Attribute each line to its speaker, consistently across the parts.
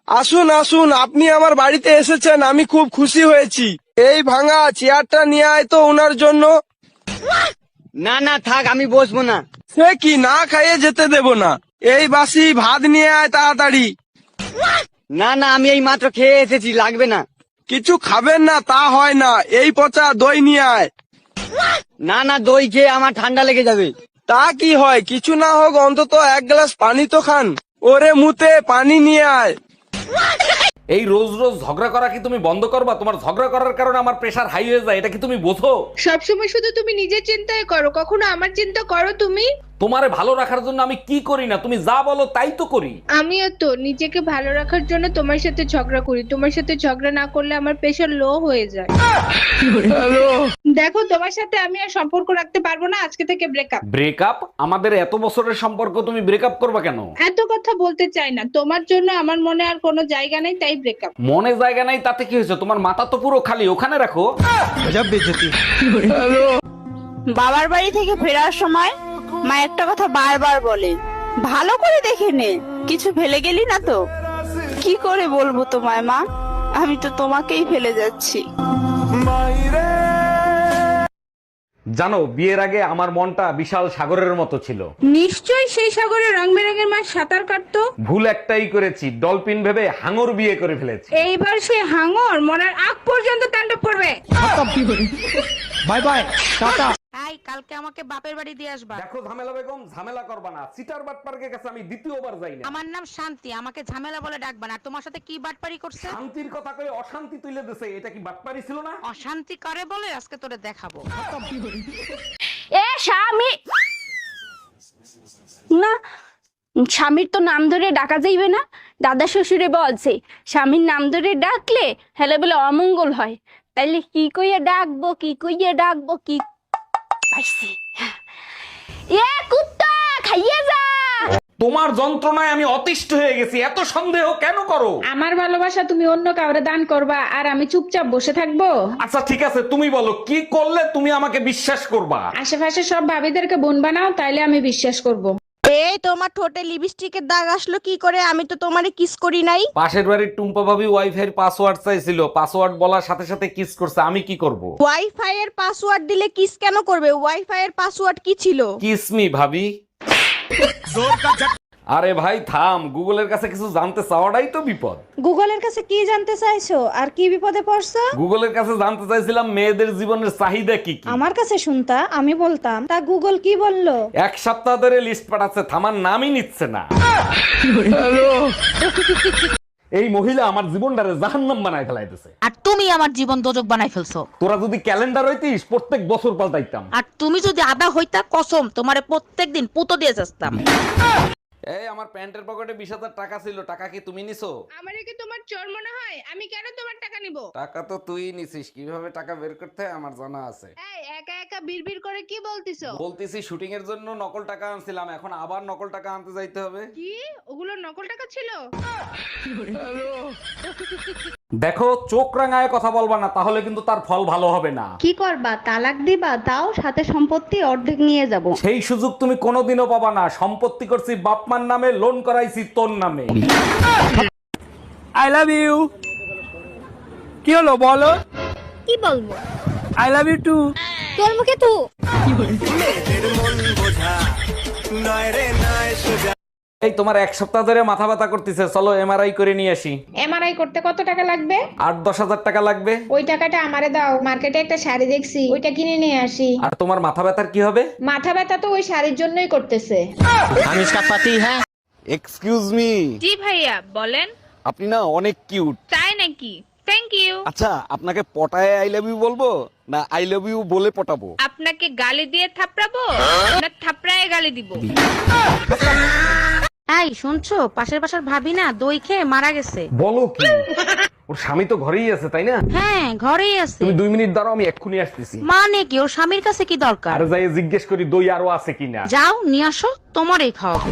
Speaker 1: আসুন আসুন, আপনি আমার বাড়িতে এসেছেন, আমি খুব খুশি হয়েছি। এই ভাঙা চেয়ারটা নিয়ে আয় তো ওনার জন্য।
Speaker 2: না না থাক, আমি বসবো না।
Speaker 1: সে কি, না খাইয়ে যেতে দেব না। এই বাসি ভাত নিয়ে আয় তাড়াতাড়ি।
Speaker 2: না না, আমি এই মাত্র খেয়ে এসেছি, লাগবে না।
Speaker 1: কিছু খাবেন না তা হয় না, এই পচা দই নিয়ে আয়।
Speaker 2: না না, দই খেয়ে আমার ঠান্ডা লেগে যাবে।
Speaker 1: তা কি হয়, কিছু না হোক অন্তত এক গ্লাস পানি তো খান। ওরে মুতে পানি নিয়ে আয়।
Speaker 3: এই রোজ রোজ ঝগড়া করা কি তুমি বন্ধ করবা? তোমার ঝগড়া করার কারণে আমার প্রেশার হাই হয়ে যায়, এটা কি তুমি বোঝো?
Speaker 4: সবসময় শুধু তুমি নিজের চিন্তায় করো, কখনো আমার চিন্তা করো তুমি?
Speaker 3: তোমারে ভালো রাখার জন্য আমি কি করি না, তুমি যা বলো তাই তো করি।
Speaker 4: আমিও তো নিজেকে ভালো রাখার জন্য তোমার সাথে ঝগড়া করি। তোমার সাথে ঝগড়া না করলে আমার প্রেশার লো হয়ে যায়। দেখো, তোমার সাথে আমি আর সম্পর্ক রাখতে পারবো না, আজকে থেকে ব্রেকআপ।
Speaker 3: ব্রেকআপ? আমাদের এত বছরের সম্পর্ক, তুমি ব্রেকআপ করবা কেন?
Speaker 4: এত কথা বলতে চাই না, তোমার জন্য আমার মনে আর কোনো জায়গা নেই, তাই ব্রেকআপ।
Speaker 3: মনে জায়গা নাই তাতে কি হয়েছে? তোমার মাথা তো পুরো খালি, ওখানে রাখো।
Speaker 5: বাবার বাড়ি থেকে ফেরার সময় মা একটা কথা বারবার বলে, ভালো করে দেখে নে কিছু ফেলে গেলি না তো। কি করে বলবো তোমায় মা, আমি তো তোমাকেই ফেলে যাচ্ছি।
Speaker 3: জানো, বিয়ের আগে আমার মনটা বিশাল সাগরের মতো ছিল।
Speaker 4: নিশ্চয়ই সেই সাগরে রং বেরঙের মাছ সাঁতার কাটতো।
Speaker 3: ভুল একটাই করেছি, ডলফিন ভেবে হাঙর বিয়ে করে ফেলেছি।
Speaker 4: এইবার সে হাঙর মরার আগ পর্যন্ত তাণ্ডব করবে।
Speaker 1: বাই বাই, টাটা।
Speaker 6: এই কালকে আমাকে বাপের বাড়ি দিয়ে আসবা।
Speaker 3: দেখো ঝামেলা বেগম, ঝামেলা করবা না। সিটার বাটপার্কের কাছে আমি দ্বিতীয়বার যাই না।
Speaker 6: আমার নাম শান্তি, আমাকে ঝামেলা বলে ডাকবা না। আর তোমার সাথে কি বাটপারি করছে?
Speaker 3: শান্তির কথা কয়ে অশান্তি তুলে দিছে, এটা কি বাটপারি ছিল না?
Speaker 6: অশান্তি করে বলে আজকে তোরে দেখাবো।
Speaker 5: এ স্বামী না, স্বামীর তো নাম ধরে ডাকা যাইবে না। দাদা শ্বশুরে বলছে স্বামীর নাম ধরে ডাকলে হেলে বলে অমঙ্গল হয়। তাইলে কি কইয়া ডাকবো, কি কইয়া ডাকবো, কি পাইছি। এ কুত্তা খাইয়ে যা।
Speaker 3: তোমার যন্ত্রণায় আমি অতিষ্ঠ হয়ে গেছি, এত সন্দেহ কেন করো?
Speaker 4: আমার ভালোবাসা তুমি অন্য কাউরে দান করবা আর আমি চুপচাপ বসে থাকবো?
Speaker 3: আচ্ছা ঠিক আছে, তুমি বলো কি করলে তুমি আমাকে বিশ্বাস করবা?
Speaker 4: আশেপাশে সব ভাবিদেরকে বোন বানাও, তাইলে আমি বিশ্বাস করব।
Speaker 7: এই তোমার ঠোঁটে লিপস্টিকের দাগ আসলো কি করে? আমি তো তোমারে কিস করি নাই।
Speaker 3: পাশের বাড়ির টুম্পা ভাবি ওয়াইফাই এর পাসওয়ার্ড চাইছিল, পাসওয়ার্ড বলার সাথে সাথে কিস করছে, আমি কি করব?
Speaker 7: ওয়াইফাই এর পাসওয়ার্ড দিলে কিস কেন করবে? ওয়াইফাই এর পাসওয়ার্ড কি ছিল?
Speaker 3: কিস মি ভাবি। আরে ভাই থাম, গুগলের কাছে কিছু জানতে চাওয়াটাই তো বিপদ।
Speaker 7: গুগলের কাছে কি জানতে চাইছো আর কি বিপদে পড়ছো?
Speaker 3: গুগলের কাছে জানতে চাইছিলাম মেয়েদের জীবনের চাহিদা কি কি।
Speaker 7: আমার কাছে শুনতা, আমি বলতাম। তা গুগল কি বললো?
Speaker 3: এক সপ্তাহ ধরে লিস্ট পাঠাচ্ছে, থামার নামই নিচ্ছে না। এই মহিলা আমার জীবনটারে জাহান্নাম বানায় ফেলাইতেছে।
Speaker 6: আর তুমি আমার জীবন দোজক বানাই ফেলছো।
Speaker 3: তোরা যদি ক্যালেন্ডার হইতিস প্রত্যেক বছর পাল্টাইতাম।
Speaker 6: আর তুমি যদি আদা হইতা, কসম তোমারে প্রত্যেকদিন পুতো দিয়ে যাস্তাম।
Speaker 3: এই আমার প্যান্টের পকেটে 20,000 টাকা ছিল, টাকা কি তুমি নিছো?
Speaker 4: আমারে কি তোমার চোর মনে হয়? আমি কেন তোমার টাকা নিব?
Speaker 3: টাকা তো তুই নিছিস, কিভাবে টাকা বের করতে হয় আমার জানা আছে।
Speaker 4: এই একা একা বিড়বিড় করে কি বলতিছো?
Speaker 3: বলতেছি শুটিং এর জন্য নকল টাকা আনছিলাম, এখন আবার নকল টাকা আনতে যাইতে হবে।
Speaker 4: কি ওগুলো নকল টাকা ছিল?
Speaker 3: দেখো, চোখ রাঙায় কথা বলবা না, তাহলে কিন্তু তার ফল ভালো হবে না।
Speaker 7: কি করবা? তালাক দিবা? তাও সাথে সম্পত্তি অর্ধেক নিয়ে যাব।
Speaker 3: সেই সুযোগ তুমি কোনোদিনও পাবা না। সম্পত্তি করছি বাপমার নামে, লোন করাইছি তোর নামে।
Speaker 1: I love you. কি হলো বলো?
Speaker 7: কি বলবো?
Speaker 1: I love you too.
Speaker 7: তোর মুখে তু।
Speaker 3: এই তোমার এক সপ্তাহ ধরে মাথা ব্যথা করতেছে, চলো এমআরআই করে নিয়ে আসি।
Speaker 4: এমআরআই করতে কত টাকা লাগবে?
Speaker 3: 8-10 হাজার টাকা লাগবে।
Speaker 4: ওই টাকাটা আমারে দাও, মার্কেটে একটা শাড়ি দেখছি, ওইটা কিনে নিয়ে আসি।
Speaker 3: আর তোমার মাথা ব্যথার কি হবে?
Speaker 4: মাথা ব্যথা তো ওই শাড়ির জন্যই করতেছে।
Speaker 2: আমি ইসকা পাতি হ্যাঁ।
Speaker 3: Excuse me.
Speaker 4: জি ভাইয়া বলেন।
Speaker 3: আপনি না অনেক কিউট।
Speaker 4: তাই নাকি? Thank you.
Speaker 3: আচ্ছা, আপনাকে পটায় আই লাভ ইউ বলবো না আই লাভ ইউ বলে পটাবো?
Speaker 4: আপনাকে গালি দিয়ে থাপড়াবো না থাপড়ায় গালি দিব?
Speaker 6: এই শুনছো, পাশের বাসার ভাবি না দই খেয়ে মারা গেছে।
Speaker 3: বলো কি? ওর স্বামী তো ঘরেই আছে তাই না?
Speaker 6: হ্যাঁ ঘরেই আছে।
Speaker 3: তুমি 2 মিনিট দাঁড়াও, আমি এক্ষুনি আসতেছি।
Speaker 6: মানে কি, ওর স্বামীর কাছে কি দরকার?
Speaker 3: আর যাই জিজ্ঞেস করি দই আরো আছে কিনা।
Speaker 6: যাও নিয়ে আসো, তোমারই খাওয়াবো।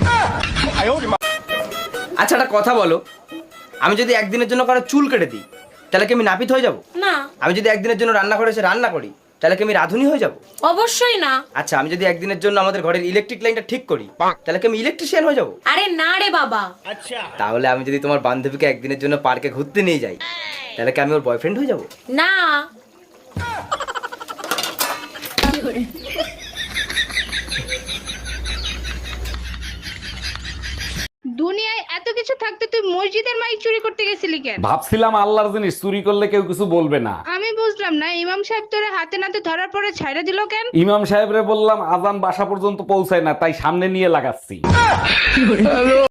Speaker 2: আচ্ছা একটা কথা বলো, আমি যদি একদিনের জন্য কারো চুল কেটে দিই তাহলে কি আমি নাপিত হয়ে যাব?
Speaker 7: না।
Speaker 2: আমি যদি একদিনের জন্য রান্না করে এসে রান্না করি
Speaker 8: তাহলে কি আমি রাঁধুনি হয়ে যাব?
Speaker 9: অবশ্যই না।
Speaker 8: আচ্ছা, আমি যদি একদিনের জন্য আমাদের ঘরের ইলেকট্রিক লাইনটা ঠিক করি, তাহলে কি আমি ইলেকট্রিশিয়ান হয়ে যাব?
Speaker 9: আরে না রে বাবা।
Speaker 8: তাহলে আমি যদি তোমার বান্ধবীকে একদিনের জন্য পার্কে ঘুরতে নিয়ে যাই, তাহলে কি আমি ওর বয়ফ্রেন্ড হয়ে যাব?
Speaker 9: না।
Speaker 4: দুনিয়ায় এত কিছু থাকতে তুই মসজিদের মাইক চুরি করতে গেছিলি কেন?
Speaker 3: ভাবছিলাম আল্লাহর জিনিস চুরি করলে কেউ কিছু বলবে না।
Speaker 4: আমি বুঝলাম না, ইমাম সাহেব তোরে হাতে নাতে ধরার পরে ছাইড়া দিল কেন?
Speaker 3: ইমাম সাহেবরে বললাম আজান বাসা পর্যন্ত পৌঁছায় না, তাই সামনে নিয়ে লাগাচ্ছি।